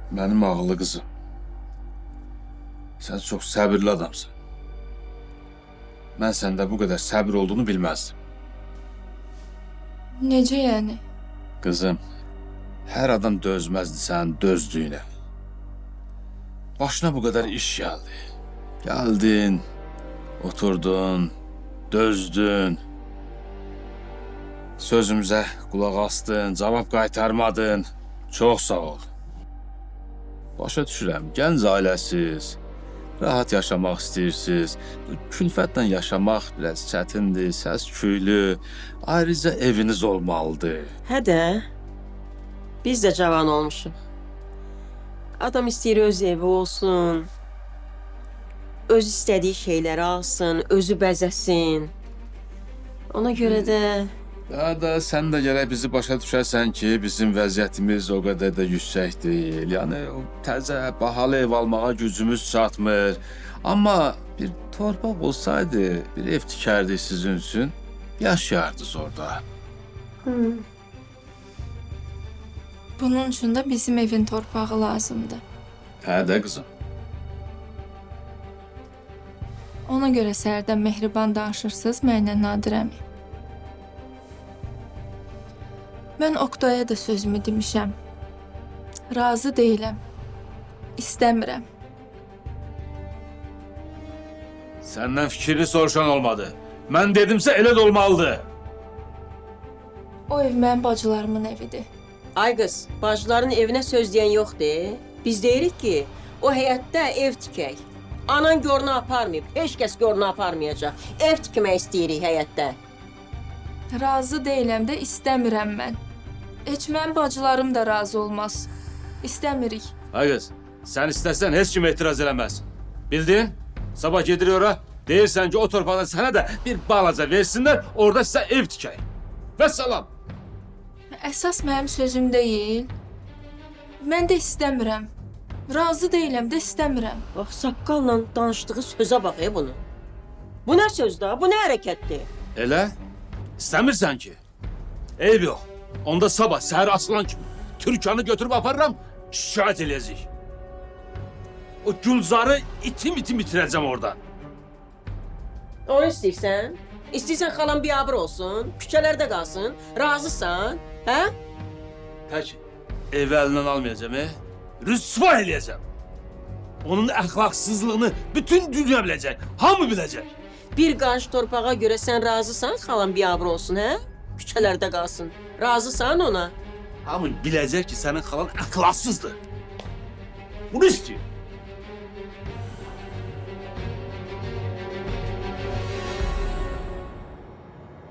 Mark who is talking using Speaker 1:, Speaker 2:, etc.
Speaker 1: Benim ağıllı kızım. Sen çok sabırlı adamsın. Ben sende bu kadar sabır olduğunu bilmezdim.
Speaker 2: Necə yəni?
Speaker 1: Kızım, her adam dözmezdi sen dözdüğüne. Başına bu kadar iş geldi. Geldin, oturdun, dözdün. Sözümüze kulak astın, cevap qaytarmadın. Çok sağ ol. Başa düşürəm, gənc ailəsiz, rahat yaşamaq istəyirsiniz. Külfətlə yaşamaq biraz çətindir, səs-küylü. Ayrıca eviniz olmalıdır.
Speaker 3: Hə də, biz də cavan olmuşuq. Adam istəyir öz evi olsun, öz istədiyi şeyləri alsın, özü bəzəsin. Ona görə də
Speaker 1: Daha da sən də gərək bizi başa düşərsən ki, bizim vəziyyətimiz o qədər də yüksək deyil. Yəni o təzə, bahalı ev almağa gücümüz çatmır. Amma bir torpaq olsaydı, bir ev tikərdik sizin üçün, yaşayardınız orada.
Speaker 2: Bunun üçün də bizim evin torpağı lazımdır.
Speaker 1: Hə də qızım.
Speaker 2: Ona görə səhərdən mehriban danışırsınız mənlə Nadirəmi. Mən Oqtaya da sözümü demişəm. Razı deyiləm. İstəmirəm.
Speaker 1: Səndən fikrini soruşan olmadı. Mən dedimsə elə də olmalıdır.
Speaker 2: O ev mənim bacılarımın evidir.
Speaker 3: ay qız, bacıların evinə söz deyən yoxdur. Biz deyirik ki, o həyətdə ev tikək. Anan görünə aparmayıb, heç kəs görünə aparmayacaq. Ev tikmək istəyirik həyətdə.
Speaker 2: Razı deyiləm də istəmirəm mən. Heç mənim bacılarım da razı olmaz. İstəmirik.
Speaker 1: Ay qız, sən istəsən heç kim etiraz eləməz. Bildin? Sabah gedirik ora, deyirsən ki o torpaqda sənə də bir balaca versinlər, orada sizə ev tikək. Vəssalam.
Speaker 2: Əsas mənim sözüm deyil. Mən də istəmirəm. Razı deyiləm də istəmirəm.
Speaker 3: Bax, saqqalla danışdığı sözə bax bunu. Bu nə sözdür, bu nə hərəkətdir?
Speaker 1: Elə? İstəmirsən ki? Eyb yox. Onda sabah səhər açılan kimi Türkanı götürüb aparıram, şikayət eləyəcək. O Gülzarı itim itirəcəm oradan.
Speaker 3: Onu istəyirsən? İstəyirsən xalan biabır olsun, küçələrdə qalsın, razısan, hə?
Speaker 1: Peki, evi əlindən almayacağım, rüsva eləyəcəm. Onun əxlaqsızlığını bütün dünya biləcək, hamı biləcək.
Speaker 3: Bir qarış torpağa görə sən razısan xalan biabır olsun, hə? Küçələrdə qalsın. Razısan ona?
Speaker 1: Hamı biləcək ki, sənin xalan əxlaqsızdır. Bunu istəyir.